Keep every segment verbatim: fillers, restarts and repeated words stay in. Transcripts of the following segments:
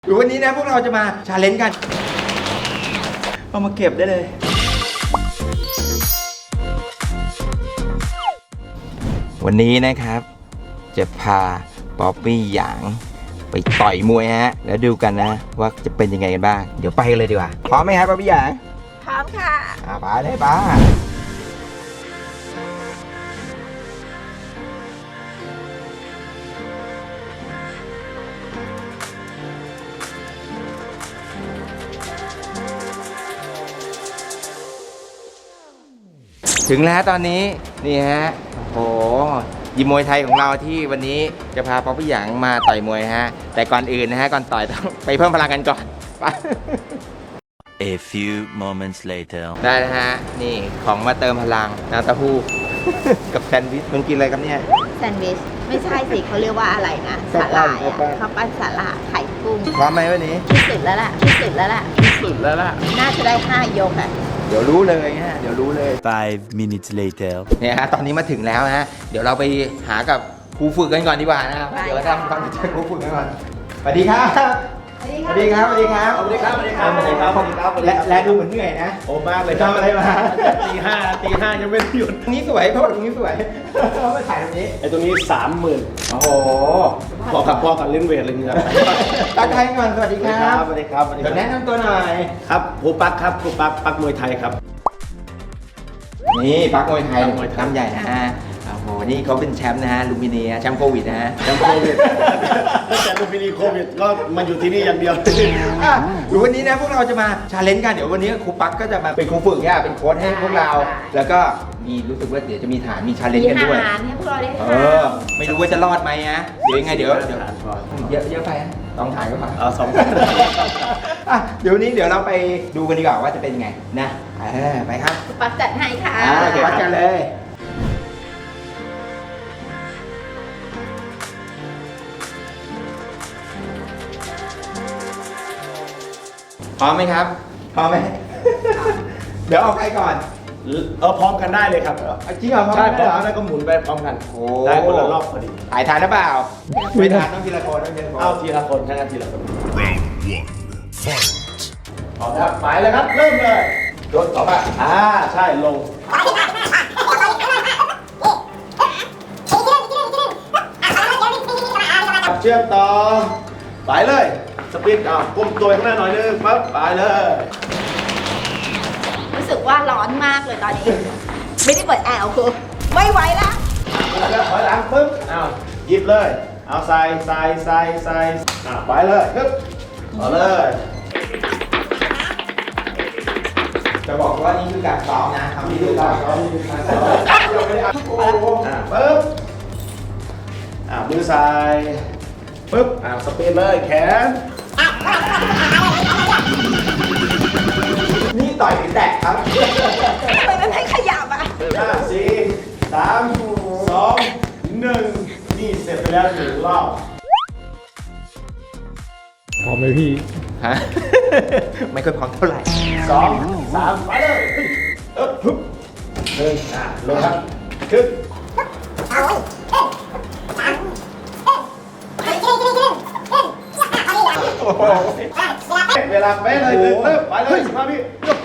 หรือวันนี้นะพวกเราจะมาชาเลนจ์กันเอามาเก็บได้เลยวันนี้นะครับจะพาป๊อปปี้หยางไปต่อยมวยฮะแล้วดูกันนะว่าจะเป็นยังไงกันบ้างเดี๋ยวไปกันเลยดีกว่าพร้อมไหมครับป๊อปปี้หยางพร้อมค่ะอ่าไปเลยป้าถึงแล้วตอนนี้นี่ฮะโอ้โหยิมมวยไทยของเราที่วันนี้จะพาป๊อปปี้หยางมาต่อยมวยฮะแต่ก่อนอื่นนะฮะก่อนต่อยต้องไปเพิ่มพลังกันก่อนไป A few moments later ได้นะฮะนี่ของมาเติมพลังน้ำเต้าหู้ กับแซนด์วิชมึงกินอะไรครับเนี่ยแซนด์วิชไม่ใช่สิเขาเรียกว่าอะไรนะสาหร่ายอะข้าวปั้นสาหร่ายไข่กุ้งพร้อมไหมวันนี้ที่สุดแล้วล่ะที่สุดแล้วล่ะที่สุดแล้วล่ะน่าจะได้ห้ายกอะเดี๋ยวรู้เลยฮะเดี๋ยวรู้เลย Five minutes later เนี่ยฮะตอนนี้มาถึงแล้วฮะเดี๋ยวเราไปหากับครูฝึกกันก่อนดีกว่านะครับเดี๋ยวเราทำความรู้จักครูฝึกกันก่อนสวัสดีครับสวัสดีครับสวัสดีครับสวัสดีครับสวัสดีครับสวัสดีครับสวัสดีครับและและดูเหมือนเหนื่อยนะโอ้มากเลยทำอะไรมาตีห้าตีห้ายังไม่หยุดตรงนี้สวยเพราะว่าตรงนี้สวยมาถ่ายตรงนี้ไอ้ตรงนี้สามหมื่นโอ้โหพอกับพ่อกับเล่นเวทอะไรเงี้ยตั้งใจก่อนสวัสดีครับสวัสดีครับสวัสดีครับแนะนำตัวหน่อยครับครูปักครับครูปักปักมวยไทยครับนี่ปักมวยไทยน้ำใหญ่นะฮะโอ้โหนี่เขาเป็นแชมป์นะฮะลูมิเนียแชมป์โควิดนะฮะแชมป์โควิดตั้งแต่ลูกพินีโควิดก็มาอยู่ที่นี่อย่างเดียวหรือวันนี้นะพวกเราจะมาชาเลนจ์กันเดี๋ยววันนี้ครูปักก็จะมาเป็นครูฝึกเนี่ยเป็นโค้ชให้พวกเราแล้วก็มีรู้สึกว่าเดี๋ยวจะมีฐานมีชาเลนจ์กันด้วยมีฐานให้พวกเราได้เออไม่รู้ว่าจะรอดไหมนะเดี๋ยวยังไงเดี๋ยวเดี๋ยวเยอะเยอะไปต้องถ่ายก็พอเอาสองอ่ะเดี๋ยวนี้เดี๋ยวเราไปดูกันดีกว่าว่าจะเป็นไงนะเออไปครับครูปักจัดให้ค่ะอ่าเดี๋ยววัดกันเลยพร้อมไหมครับพร้อมไหม เดี๋ยวเอาใครก่อนเออพร้อมกันได้เลยครับจริงเหรอใช่พร้อมกันแล้วก็หมุนไปพร้อมกันได้คนละรอบพอดีถ่ายทานหรือเปล่าไม่ทานต้องทีละคนต้องทีละคนเอาทีละคนทั้งนั้นทีละคนพร้อมครับหมายเลยครับเริ่มเลยโดนต่อไปอ่าใช่ลงเชื่อมต่อไปเลยสปีดอ่ะก้มตัวข้างหน้าหน่อยนึงปั๊บไปเลยรู้สึกว่าร้อนมากเลยตอนนี้ไม่ได้เปิดแอร์คือไม่ไหวละแล้วถอยหลังปึ๊บอ้าวหยิบเลยเอาใส่ใส่ใส่ใส่อ่ะไปเลยปึ๊บเอาเลยจะบอกว่านี่คือการซ้อมนะทำที่ดูการซ้อมนี่คือการซ้อมเราไม่ได้เอาโอ้อ่ะปึ๊บอ่ะมือใส่ปึ๊บอ่ะสปีดเลยแขนนี่ต่อยหรือแตะครับทำไมมันไม่ขยับอ่ะห้าสี่สามสองหนึ่งนี่เสร็จไปแล้วหนึ่งรอบพร้อมไหมพี่ฮะไม่ค่อยพร้อมเท่าไหร่สองสามไปเลยเอ๊บฮึบหนึ่งอ่ะลงครับขึ้นเวลาเป๊ะเลยเริ่มไปเลยสิบห้าวิ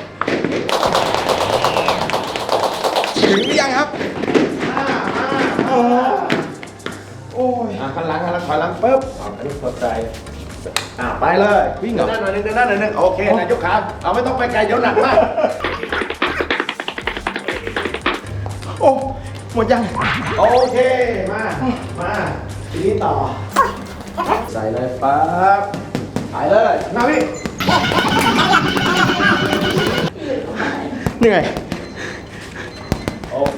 ถึงหรือยังครับห้าห้าโอ้โอ้ยอ่ะขันหลังขันหลังถอยหลังปุ๊บอันนี้สดใจอ่ะไปเลยวิ่งเหรอเดินหน้าหน่อยนึงเดินหน้าหน่อยนึงโอเคนายยกขาเราไม่ต้องไปไกลเดี๋ยวหนักมากโอ้หมดยังโอเคมามาทีนี้ต่อใส่เลยปั๊บไปเลยนาวิเหนื่อยโอเค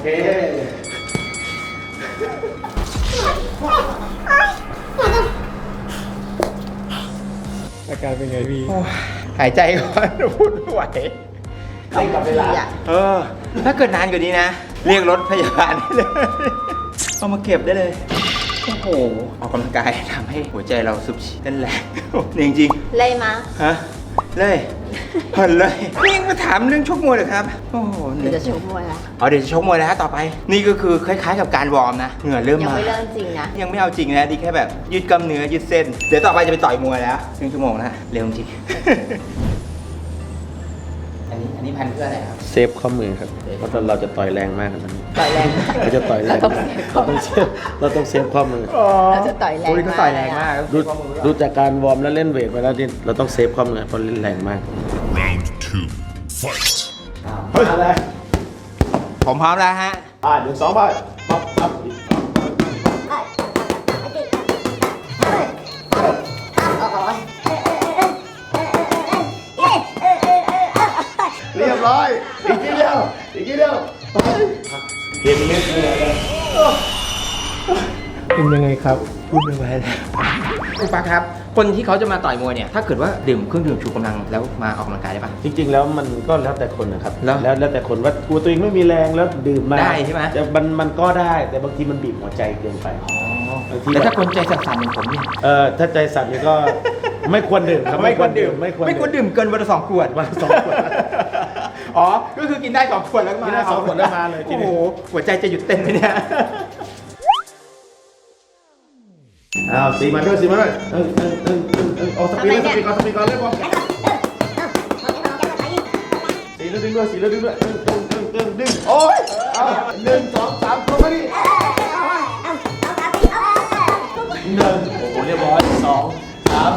อาการเป็นไงพี่หายใจก่อนพูดไม่ไหวเล่นกับเวลาเออถ้าเกิดนานกว่านี้นะเรียกรถพยาบาลได้เลยเอามาเก็บได้เลยโอ้โหออกกำลังกายทำให้หัวใจเราสูบฉีดเต้นแรงจริงจริงเลยมาฮะเลยเหินเลยนี่ยังมาถามเรื่องชกมวยเหรอครับโอ้โหเดี๋ยวจะชกมวยละอ๋อเดี๋ยวจะชกมวยแล้วฮะต่อไป นี่ก็คือคล้ายๆกับการวอร์มนะเหงื่อเริ่มยังมาไม่เริ่มจริงนะยังไม่เอาจริงนะดีแค่แบบยืดกล้ามเนื้อยืดเส้น เดี๋ยวต่อไปจะไปต่อยมวยแล้วครึ่งชั่วโมงนะเร็วจริง อันนี้อันนี้พันเพื่ออะไรครับเซฟข้อมือครับ เพราะเราจะต่อยแรงมากครับต่อยแรงเราจะต่อยแรงเราต้องมากเซฟข้อเรามืต้อองเซฟเราต้องเซฟข้อมือเราจะต่อยแรงโอ้ยเขาต่อยแรงมากดูดูจากการวอร์มแล้วเล่นเวทไปแล้วนี่เราต้องเซฟข้อมือเพราะเล่นแรงมาก Round two. Fight. มาเลยผมพร้อมแล้วฮะอ่าหนึ่งสองไปปั๊บปั๊บเรียบร้อย อีกทีเดียว อีกทีเดียวเกมนี้คืออะไรเป็นยังไงครับพูดไม่ไหวแล้วคุณปักครับ คนที่เขาจะมาต่อยมวยเนี่ยถ้าเกิดว่าดื่มเครื่องดื่มชูกำลังแล้วมาออกกำลังกายได้ปะจริงๆแล้วมันก็แล้วแต่คนนะครับแล้วแล้วแล้วแต่คนว่ากลัวตัวเองไม่มีแรงแล้วดื่มมาได้ใช่ไหมจะมันมันก็ได้แต่บางทีมันบีบหัวใจเกินไปบางทีแต่ถ้าคนใจสั่นๆอย่างผมเนี่ยเออถ้าใจสั่นนี่ก็ ไม่ควรดื่มครับไม่ควรดื่มไม่ควรดื่มเกินวันละสองขวดวันละสองขวดอ๋อ ก็คือกินได้สองขวดแล้วก็มากินได้สองขวดแล้วมาเลยทีโอ้นี้โห หัวใจจะหยุดเต้นไหมเนี่ยอ้าวสีมาด้วยสีมาด้วยเออเออเออเออเออเอาสปีดเลยสปีดก่อนสปีดก่อนเร็วก่อนสีแล้วดึงด้วยสีแล้วดึงด้วยดึงดึงดึงดึงดึงโอ้ยเอาหนึ่งสองสามลงมาดิหนึ่งโอ้โหเรียบร้อยสองสาม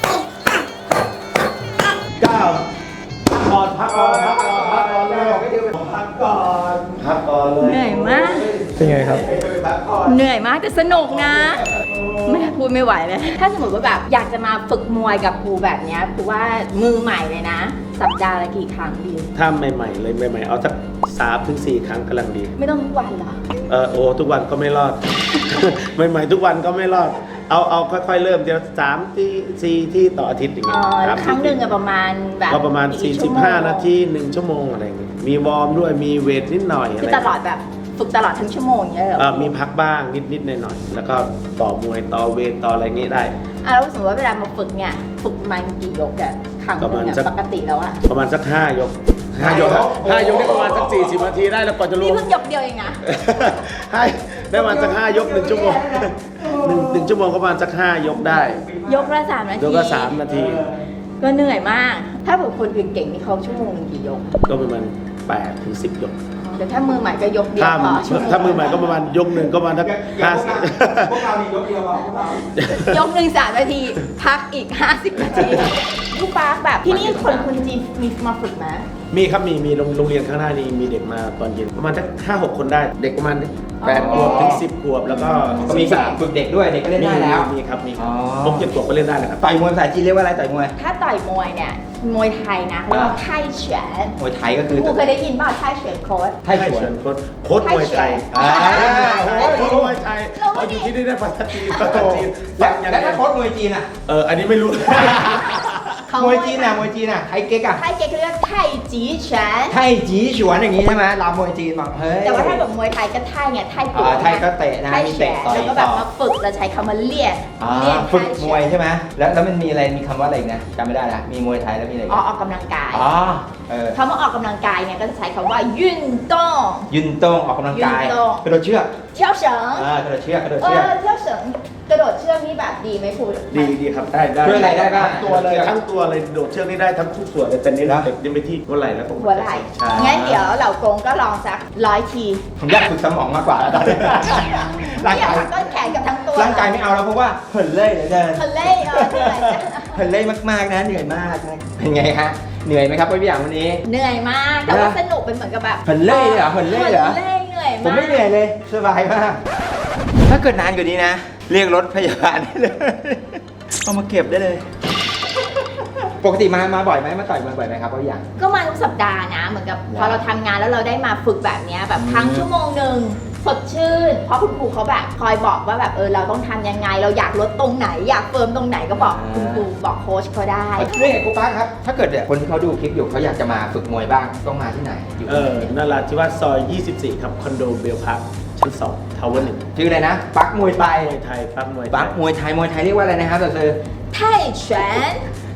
เก้าก่อนพักก่อนพักก่อนพักก่อนเลยพักก่อนพักก่อนเลยเหนื่อยมากเป็นไงครับเหนื่อยมากแต่สนุกนะไม่พูดไม่ไหวเลย ถ้าสมมติว่าแบบอยากจะมาฝึกมวยกับครูแบบเนี้ยครูว่ามือใหม่เลยนะ สัปดาห์ละกี่ครั้งดีถ้าใหม่ๆเลยใหม่ๆเอาสักสามถึงสี่ครั้งกำลังดีไม่ต้องทุกวันเหรอเออโอ้ทุกวันก็ไม่รอด ใหม่ๆทุกวันก็ไม่รอด เอาเอาค่อยๆเริ่มเดี๋ยวสามที่สี่ที่ต่ออาทิตย์อย่างอ๋เงี้อยสามครั้งหนึ่งอะประมาณแบบก็ประมาณกี่ชั่วโมงสี่สิบห้า นาทีหนึ่งชั่วโมงอะไรอย่างเงี้ยมีวอร์มด้วยมีเวทนิดหน่อยอะคือไรตลอดแบบฝึกตลอดทั้งชั่วโมงอย่างเงี้ยเหรอเออมีพักบ้างนิดๆหน่อยๆแล้วก็ต่อมวยต่อเวทต่ออะไรเงี้ยได้อ่ะแล้วสมมติว่าเวลามาฝึกเนี่ยฝึกประมาณกี่ยกอะครั้งหนึงอะประมาณสักปกติแล้วอะประมาณสักห้ายกห้ายกครับห้ายกได้ประมาณสักสี่สิบนาทีได้แล้วก่อนจะรู้นี่เพิ่งยกเดียวเองนะให้ได้ประมาณสักห้ายกหนึ่งชั่วโมงหนึ่งหนึ่งชั่วโมงก็ประมาณสักห้ายกได้ยกละสามนาทียกละสามนาทีก็เหนื่อยมาก ถ้าแบบคนอื่นเก่งนี่เขาชั่วโมงหนึ่งกี่ยกก็ประมาณแปดถึงสิบยกแต่ถ้ามือใหม่ก็ยกเดียวถ้าพอชั่วโงถ้ามือใหม่ก็ประมาณยกหนึ่งก็ประมาณสักห้าสิบพวกเรามียกเดียวเราพวกเรายกหนึ่งสามนาที พักอีกห้าสิบนาทีลูกปาร์คแบบที่นี่คนคนจีนมีมาฝึกไหมมีครับมีมีโรงโรงเรียนข้างหน้านี้มีเด็กมาตอนเย็นประมาณสักห้าหกคนได้เด็กประมาณแปดขวบถึงสิบขวบแล้วก็ก็มีการฝึกเด็กด้วยเด็กก็เล่นได้แล้วมีครับมีครับอ๋อพวกเจ็ดขวบก็เล่นได้นะครับต่อยมวยภาษาจีนเรียกว่าอะไรต่อยมวยถ้าต่อยมวยเนี่ยมวยไทยนะเขาเรียกว่าไทยเฉนมวยไทยก็คือครูเคยได้ยินป่ะไทยเฉนโค้ดไทยสวนโค้ชโค้ชมวยไทยอ่าโค้ชมวยไทยเอาอยู่ที่นี่ได้ภาษาจีนภาษาจีนแล้ฟัวงยังแล้วไงถ้าโค้ชมวยจีนอ่ะเอออันนี้ไม่รู้มวยจีนอ่ะมวยจีนอ่ะไทยเก๊กอ่ะไทยเก๊กเขาเรียกไทยจีเฉนไทยจีฉวนอย่างงี้ใช่ไหมลามวยจีนบอกเฮ้ยแต่ว่าถ้าแบบมวยไทยก็ไทยไงไทยอ่าไทยก็เตะนะไทยมีแฉเตะต่อยแล้วก็แบบต่อมาฝึกแล้วใช้คำว่าเลียนอ่าเลียนฝึกไทยมวยใช่ไหมแล้วแล้วมันมีอะไรมีคำว่าอะไรอีกนะจำไม่ได้ละมีมวยไทยแล้วมีอะไรอีกอ๋อนะออกกำลังกายอ๋อเออคำว่าออกกำลังกายเนี่ยก็จะใช้คำว่ายุ่นต้องยืนตรงออกกำลังกายยืนตรงกระโดดเชือกเที่ยวเฉิงอ่ากระโดดเชือกกระโดดเอเชือกอเที่ยวเฉิงกระโดดเชือกนี่แบบดีไหมคุณดีดีครับได้ได้ช่วยอะไรได้บ้างทั้งตัวเลยทั้งตัวเลยโดดเชือกนี่ได้ทั้งทุกส่วนเลยแต่เนี้นะเด็กยังไปที่หัวไหล่แล้วตรงหัวไหล่ใช่งั้นเดี๋ยวเหล่ากงก็ลองสักร้อยทีผมอยากฝึกสมองมากกว่าตอนนี้ร่างไม่อยากกายทำต้นแขนกับทั้งตัวร่างกายไม่เอาแล้วเพราะว่าเหินเล่ยเหลือเกินทะเลเออเหนื่อยจังเหินเล่ยมากๆนะเหนื่อยมากนะเป็นไงฮะเหนื่อยไหมครับพี่อย่างวันนี้เหนื่อยมากแต่ว่าสนุกเป็นเหมือนกับแบบเหินเล่ยเลยเหรอเหินเล่ยเหรอเล่ยเหนื่อยมากผมไม่เหนื่อยเลยสบายมาก ถ้าเกิดนานกว่านี้นะ เรียกรถพยาบาลได้เลยเอามาเก็บได้เลย ปกติมามาบ่อยไหมมาต่อยมาบ่อยไหมครับพี่อย่างก็มาทุกสัปดาห์นะ เหมือนกับว้าวพอเราทำงานแล้วเราได้มาฝึกแบบเนี้ยแบบอืมครั้งชั่วโมงหนึ่งสดชื่น เพราะคุณครูเขาแบบคอยบอกว่าแบบเออเราต้องทำยังไง เราอยากลดตรงไหน อยากเฟิร์มตรงไหนก็บอกคุณครูบอกโค้ชเขาได้เรื่องไงครูป้าครับ ถ้าเกิดเนี่ยคนที่เขาดูคลิปอยู่เขาอยากจะมาฝึกมวยบ้างต้องมาที่ไหนอยู่เอที่อไหนนาราธิวาสซอยยี่สิบสี่ครับคอนโดเบลพาร์คชั้นสองทาวเวอร์หนึ่งชื่ออะไรนะปักมวยไทยมวยไทยปั๊บมวยไทปักยมวยไทยมวยไทยเรียกว่าอะไรนะครับต่อซื้อไทยเฉนไ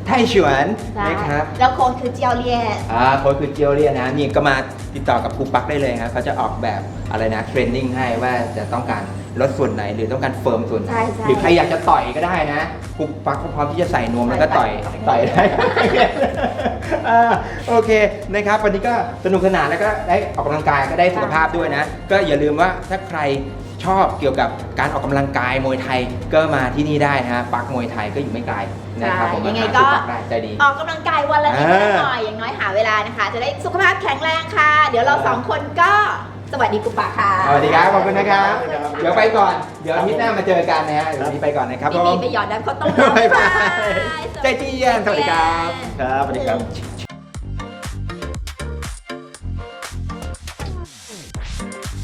ไทฉวนใช่นะครับแล้วโค้ดคือเจียวเลียนอ่าโค้ชคือเจียวเรียนนะนี่ก็มาติดต่อกับครูปักได้เลยครับเขาจะออกแบบอะไรนะเทรนนิ่งให้ว่าจะต้องการลดส่วนไหนหรือต้องการเฟิร์มส่วนไหนใช่ใช่หรือใครอยากจะต่อยก็ได้นะครูปักก็พร้อมที่จะใส่นวมแล้วก็ต่อยต่ต่ออย ยได้ อ่าโอเคนะครับวันนี้ก็สนุกสนานแล้วก็ได้ออกกำลังกายก็ได้สุขภาพด้วยนะ ก็อย่าลืมว่าถ้าใครชอบเกี่ยวกับการออกกำลังกายมวยไทยก็มาที่นี่ได้นะฮะปักมวยไทยก็อยู่ไม่ไกลนะครับผมยังไงมาหาก็ครูปักได้ใจดีออกกำลังกายวันละนิดอ่าหน่อยอย่างน้อยหาเวลานะคะ จะได้สุขภาพแข็งแรงค่ะ เดี๋ยวเราสองคนก็สวัสดีกุปะค่ะสวัสดีครับ ขอบคุณนะครับ เดี๋ยวไปก่อน เดี๋ยวอาทิตย์หน้ามาเจอกันนะฮะเดี๋ยววันนี้ไปก่อนนะครับดีผมๆไปหยอดน้ำข้าวต้มบ๊ายบายบ๊ายบายใจจีเย็นสวัสดีครับครับสวัสดีครับ